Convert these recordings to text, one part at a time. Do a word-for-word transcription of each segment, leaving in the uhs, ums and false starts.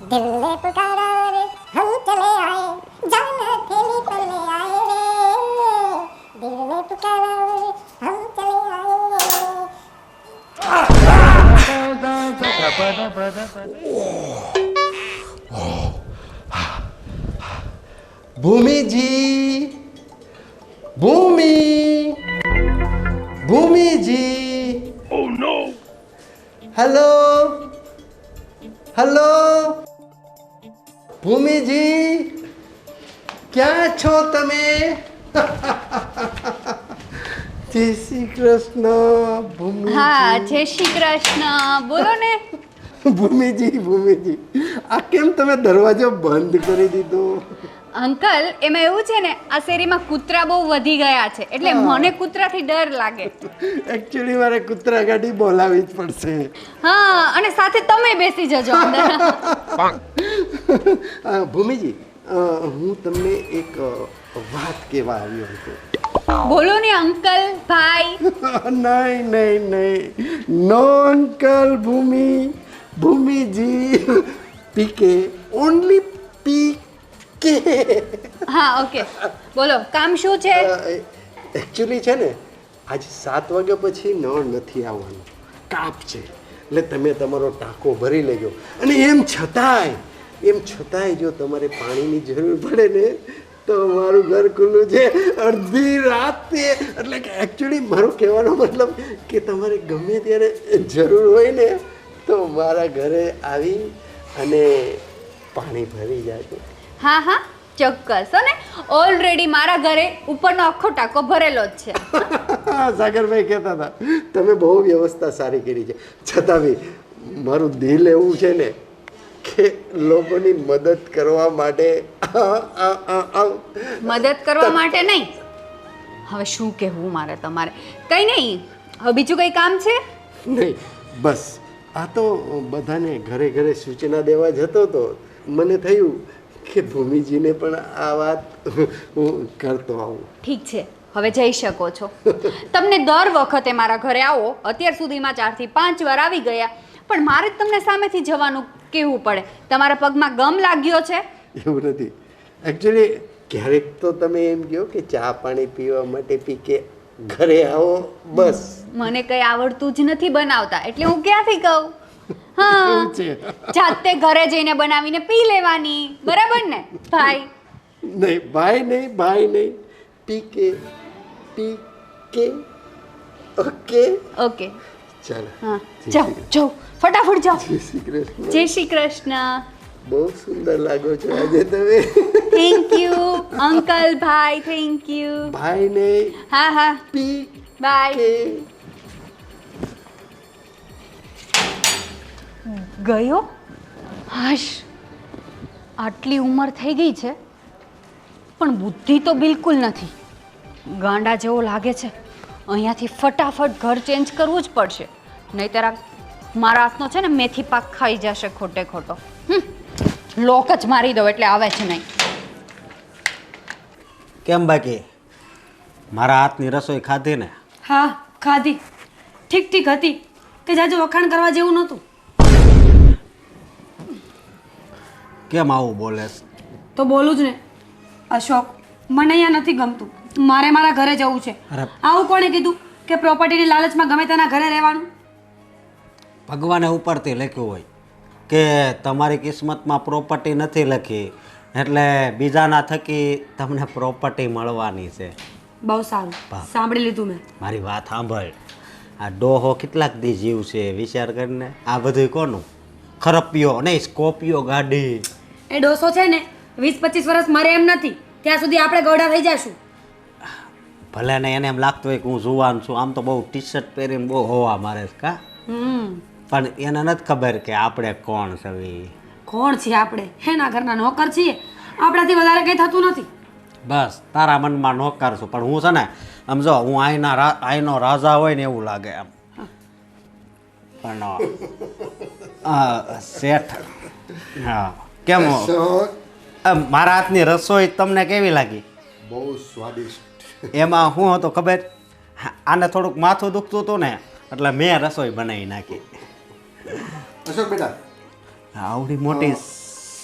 दिल ने पुकारा रे हम चले आए जान हथेली पर ले आए रे दिल ने पुकारा रे हम चले आए Bhumiji Bhumi Bhumiji Oh no! Hello hello Bhumiji ક્યાં છો તમે જય શ્રી કૃષ્ણ ભૂમિ હા જય શ્રી કૃષ્ણ બોલો ને ભૂમિજી ભૂમિજી આ કેમ તમે દરવાજો બંધ કરી દીધો અંકલ એમાં એવું છે ને આ શેરીમાં કૂતરા બહુ વધી ગયા છે એટલે મને કૂતરાથી ડર લાગે એકચ્યુઅલી મારે કૂતરા ગાડી બોલાવી જ પડશે હા અને સાથે તમે બેસી જજો અંદર અ, ભૂમિજી અ, હું તમને એક અ, વાત કહેવા આવ્યો હતો બોલો ને અંકલ ભાઈ નહીં નહીં નહીં no uncle Bhumi Bhumiji PK only PK હા ઓકે બોલો કામ શું છે એકચ્યુઅલી છે ને આજે સાત વાગ્યા પછી નળ નથી આવવાનું કાપ છે એટલે તમે તમારો ટાંકો ભરી લેજો અને એમ છતાંય એમ છતાંય જો તમારે પાણીની જરૂર પડે ને તો મારું ઘર ખુલ્લું છે અડધી રાતે એટલે કે એકચ્યુઅલી મારો કહેવાનો મતલબ કે તમારે ગમે ત્યારે જરૂર હોય ને તો મારા ઘરે આવી અને પાણી ભરી જાજો હા હા ચોક્કસ હો ને ઓલરેડી મારા ઘરે ઉપરનો આખો ટાંકો ભરેલો જ છે સાગરભાઈ કહેતા હતા તમે બહુ વ્યવસ્થા સારી કરી છે છતાં બી મારું દિલ એવું છે ને કે લોકોની મદદ કરવા માટે મદદ કરવા માટે નહીં હવે શું કહેવું મારે તમારે કંઈ નહીં હવે બીજું કંઈ કામ છે નહીં બસ આ તો બધાને ઘરે ઘરે સૂચના દેવા જતો હતો મને થયું કે ભૂમિજીને પણ આ વાત હું કરતો આવું ઠીક છે હવે જઈ શકો છો તમને દર વખતે મારા ઘરે આવો અત્યાર સુધીમાં ચારથી પાંચ વાર આવી ગયા પણ મારે જ તમને સામેથી જવાનું કહેવું પડે તમારા પગમાં ગમ લાગ્યો છે એવું નથી એકચ્યુઅલી ક્યારેક તો તમે એમ કહો કે ચા પાણી પીવા માટે પી કે ઘરે આવો બસ મને કંઈ આવડતું જ નથી બનાવતા એટલે હું ક્યાંથી કહું હા એવું છે જાતે ઘરે જઈને બનાવીને પી લેવાની બરાબર ને ભાઈ નહીં ભાઈ નહીં ભાઈ નહીં પી કે પી કે ઓકે ઓકે ચાલો હા જાઓ જાઓ ફટાફટ જાઓ જય શ્રી કૃષ્ણ જય શ્રી કૃષ્ણ બહુ સુંદર લાગો છો આજે તમે થેન્ક યુ અંકલ ભાઈ થેન્ક યુ ભાઈ નહીં હા હા પી બાય કે ગયો હાશ આટલી ઉંમર થઈ ગઈ છે પણ બુદ્ધિ તો બિલકુલ નથી ગાંડા જેવો લાગે છે અહીંયાથી ફટાફટ ઘર ચેન્જ કરવું જ પડશે નહીંતર આ મારા હાથનો છે ને મેથી પાક ખાઈ જશે ખોટે ખોટો હમ, લોક જ મારી દો એટલે આવે છે નહીં કેમ બાકી મારા હાથની રસોઈ ખાધી ને હા ખાધી ઠીક ઠીક હતી કે જાજુ વખાણ કરવા જેવું નહોતું કેમ આવું બોલેસ તો બોલું જ ને અશોક મને અહીંયા નથી ગમતું મારે મારા ઘરે જવું છે અરે. આવું કોણે કીધું કે પ્રોપર્ટીની લાલચમાં ગમે તેના ઘરે રહેવાનું ભગવાને ઉપરથી લખ્યું હોય કે તમારી કિસ્મતમાં પ્રોપર્ટી નથી લખી એટલે બીજાના થકી તમને પ્રોપર્ટી મળવાની છે બહુ સારું વાહ. સાંભળી લીધું મેં મારી વાત સાંભળ આ ડોહો કેટલાક દી જીવ છે વિચાર કરીને આ બધું કોનું ખરપિયો નહીં સ્કોપિયો ગાડી એ ડોસો છે ને વીસ પચીસ વર્ષ મરે એમ નથી ત્યાં સુધી આપણે ગોડા થઈ જશું ભલે ને એને એમ લાગતું હોય કે હું જુવાન છું આમ તો બહુ ટી શર્ટ પહેરીને બહુ હોવા મારે છે કા હમ પણ એને નથી ખબર કે આપણે કોણ છવી કોણ છીએ આપણે એના ઘરના નોકર છીએ આપણાથી વધારે કંઈ થતું નથી બસ તારા મનમાં નોકર છું પણ હું છે ને આમ જો હું આઈના રા આઈનો રાજા હોય ને એવું લાગે એમ પણ અ, શેઠ હા કેમ અ, મારા હાથની રસોઈ તમને કેવી લાગી બહુ સ્વાદિષ્ટ એમાં શું હતું ખબર હા, આને થોડુંક માથું દુખતું હતું ને એટલે મેં રસોઈ બનાવી નાખી અશોક બેટા આવડી મોટી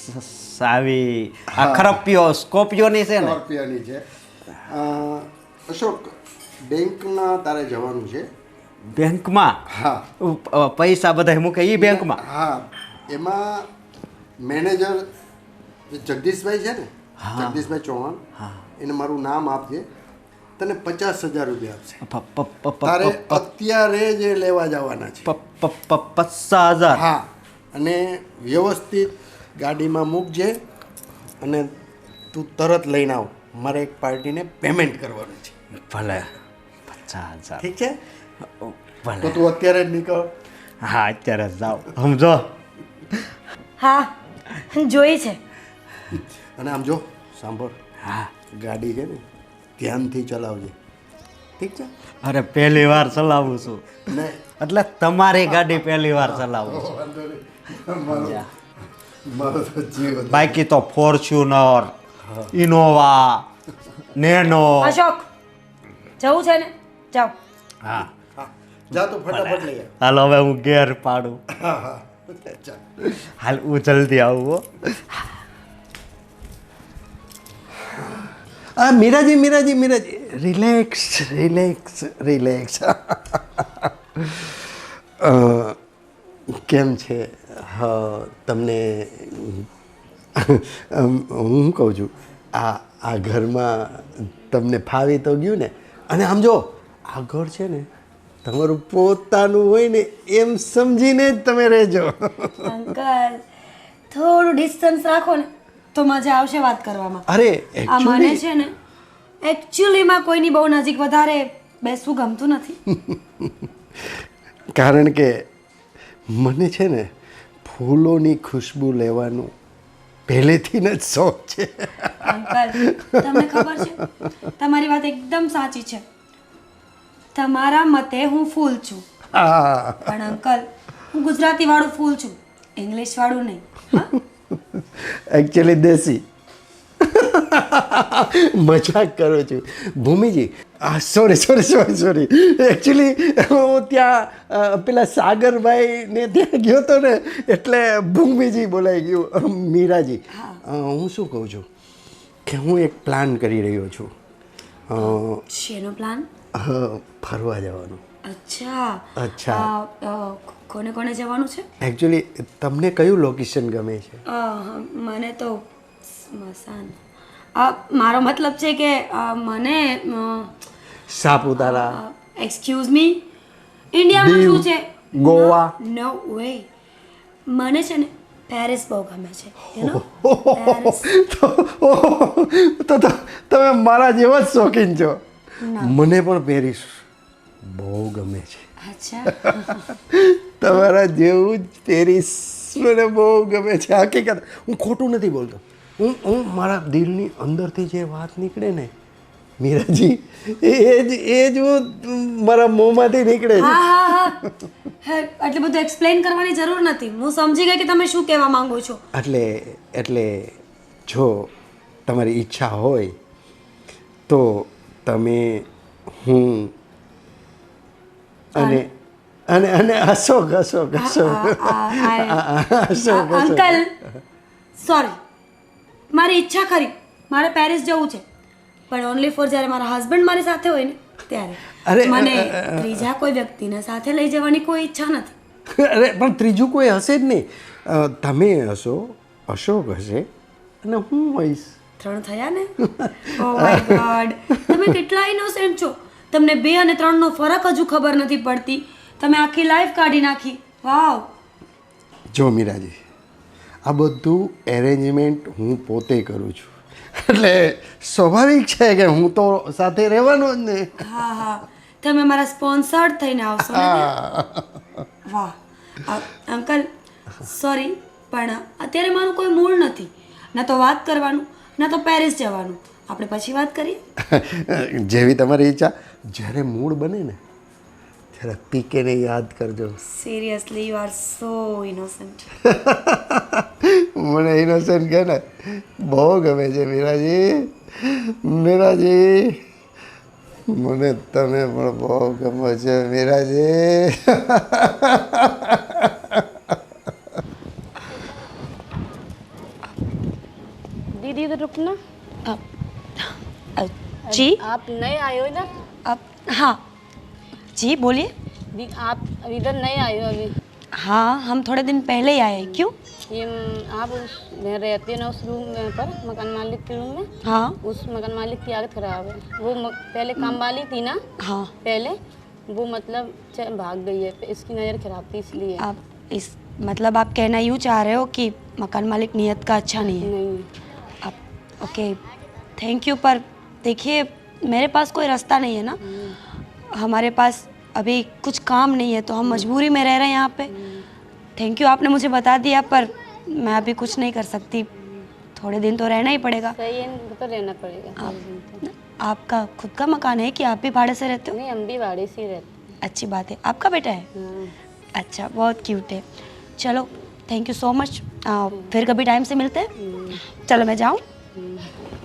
સાવી આ ખરપિયો સ્કોપિયોની છે ને સ્કોર્પિયોની છે. અ, અશોક, બેંકમાં તારે જવાનું છે. બેંકમાં હા અ, પૈસા બધા મૂકે એ બેંકમાં હા, એમાં મેનેજર જે જગદીશભાઈ છે ને, જગદીશભાઈ ચૌહાણ, એને મારું નામ આપજે, તને પચાસ હજાર રૂપિયા આપશે. પ- પ- પ- પ- તારે પ- અત્યારે જ એ લેવા જવાના છે. પ- પ- પ- પચાસ હજાર હા, અને વ્યવસ્થિત ગાડીમાં મૂકજે અને તું તરત લઈને આવ. મારે એક પાર્ટીને પેમેન્ટ કરવાનું છે. ભલે પચાસ હજાર ઠીક છે? તો ભલે તું અત્યારે જ નીકળ. હા અત્યારે જ જાઓ સમજો. હા જોઈ છે. અને આમ જો સાંભળ, હા ગાડી છે ને ધ્યાનથી ચલાવજે. ઠીક છે? અરે પહેલી વાર ચલાવું છું ને એટલે તમારી ગાડી પહેલી વાર ચલાવું છું. વાંધો નહીં. મારો મારો તો જીવ હતો. બાકી તો ફોર્ચ્યુનર ઇનોવા નેનો અશોક જવું છે ને જાઓ. હા હા, જા તું ફટાફટ લઈ આવ. હાલો હવે હું ઘેર પાડું. હા હા ચાલ. હાલ હું જલ્દી આવું હો. હા Meeraji Meeraji Meeraji relax relax relax. કેમ છે? હા તમને અમ, હું કહું છું આ આ ઘરમાં તમને ફાવી તો ગયું ને? અને આમ જો આ ઘર છે ને તમારું પોતાનું હોય ને એમ સમજીને જ તમે રહેજો. અંકલ થોડું ડિસ્ટન્સ રાખો ને તો મજા આવશે વાત કરવામાં. અરે આ મને actually- છે ને એકચ્યુઅલીમાં કોઈની બહુ નજીક વધારે બેસવું ગમતું નથી. કારણ કે મને છે ને ફૂલોની ખુશ્બુ લેવાનું પહેલેથી જ શોખ છે. અંકલ તમને ખબર છે તમારી વાત એકદમ સાચી છે. તમારા મતે હું ફૂલ છું, હા પણ અંકલ હું ગુજરાતી વાળું ફૂલ છું, ઇંગ્લિશ વાળું નહીં. હા? એકચ્યુઅલી દેશી. મજાક કરું છું ભૂમિજી. આ sorry sorry sorry sorry actually હું ત્યાં અ, પેલા સાગરભાઈને ત્યાં ગયો હતો ને એટલે ભૂમિજી બોલાઈ ગયું. મીરાજી, અ, હું શું કહું છું કે હું એક પ્લાન કરી રહ્યો છું. અ, શેનો પ્લાન? અ, ફરવા જવાનું. અચ્છા અચ્છા. અ, અ, કોને કોને જવાનું છે? એકચ્યુઅલી તમને કયું લોકેશન ગમે છે? અ, મને તો સ્મશાન. અ, મારો મતલબ છે કે અ, મને સાપુતારા, એક્સક્યુઝ મી ઇન્ડિયામાં દીવ, શું છે? ગોવા. No way. મને છે ને પેરિસ બહુ ગમે છે. you know? પેરિસ. તો તો તો તમે મારા જેવા જ શોખીન છો. મને પણ પેરિસ બહુ ગમે છે. અચ્છા તમારા જેવું જ પેરિસ મને બહુ ગમે છે. હકીકત હું ખોટું નથી બોલતો. હું હું મારા દિલની અંદરથી જે વાત નીકળે ને મીરાજી, એ જ એ જ હું મારા મોંમાંથી નીકળે છે. હા હા હા હે, એટલે બધું એક્સપ્લેન કરવાની જરૂર નથી. હું સમજી ગઈ કે તમે શું કહેવા માંગો છો. એટલે એટલે જો તમારી ઈચ્છા હોય તો તમે હું અને અને અને અશોક અશોક અશોક અશોક અશોક. અંકલ સોરી, મારી ઈચ્છા ખરી, મારે પેરિસ જવું છે, પણ ઓનલી ફોર જ્યારે મારા હસબન્ડ મારી સાથે હોય ને ત્યારે. અરે, મને અ, અ, અ. ત્રીજા કોઈ વ્યક્તિને સાથે લઈ જવાની કોઈ ઈચ્છા નથી. અરે પણ ત્રીજું કોઈ હશે જ નહીં. અ, તમે હશો, અશોક હશે અને હું હોઈશ. ત્રણ થયા ને? ઓ માય ગોડ, તમે કેટલા ઇનોસેન્ટ છો. તમને બે અને ત્રણનો ફરક હજુ ખબર નથી પડતી. તમે આખી લાઈફ કાઢી નાખી. વાવ. જો મીરાજી, આ બધું એરેન્જમેન્ટ હું પોતે કરું છું એટલે સ્વાભાવિક છે કે હું તો સાથે રહેવાનો જ ને. હા હા, તમે મારા સ્પોન્સર્ડ થઈને આવશો ને ત્યાં? વાહ. અ, અંકલ સોરી, પણ અત્યારે મારું કોઈ મૂડ નથી. ના તો વાત કરવાનું, ના તો પેરિસ જવાનું. આપણે પછી વાત કરીએ. જેવી તમારી ઈચ્છા. જ્યારે મૂડ બને ને ત્યારે પીકેને યાદ કરજો. Seriously you are so innocent. મને ઇનોસેન્ટ કહે ને બહુ ગમે છે મીરાજી. મીરાજી, મને તમે પણ બહુ ગમે છે મીરાજી. दीदी इधर रुकना। अ, अ, जी आप नए आए हो इधर? अब हाँ जी बोलिए। दी- आप इधर नए आए हो अभी? हाँ हम थोड़े दिन पहले ही आए हैं। क्यों? ये म, आप उस में रहते हैं ना उस रूम में पर मकान मालिक के रूम में? हाँ उस मकान मालिक की आदत खराब है। वो म, पहले काम वाली थी ना, हाँ पहले वो मतलब च- भाग गई है, इसकी नज़र खराब थी इसलिए। आप इस मतलब आप कहना यूँ चाह रहे हो कि मकान मालिक नियत का अच्छा नहीं है। नहीं, आप ओके थैंक यू, पर देखिए मेरे पास कोई रास्ता नहीं है ना, हमारे पास अभी कुछ काम नहीं है तो हम मजबूरी में रह रहे हैं यहाँ पे। थैंक यू आपने मुझे बता दिया, पर मैं अभी कुछ नहीं कर सकती, थोड़े दिन तो रहना ही पड़ेगा। सही है, इनको तो रहना पड़ेगा। आप, आपका खुद का मकान है कि आप भी भाड़े से रहते हो? नहीं, हम भी भाड़े से ही रहते अच्छी बात है। आपका बेटा है? हैं। हाँ। अच्छा बहुत क्यूट है। चलो थैंक यू सो मच, फिर कभी टाइम से मिलते हैं। चलो मैं जाऊँ।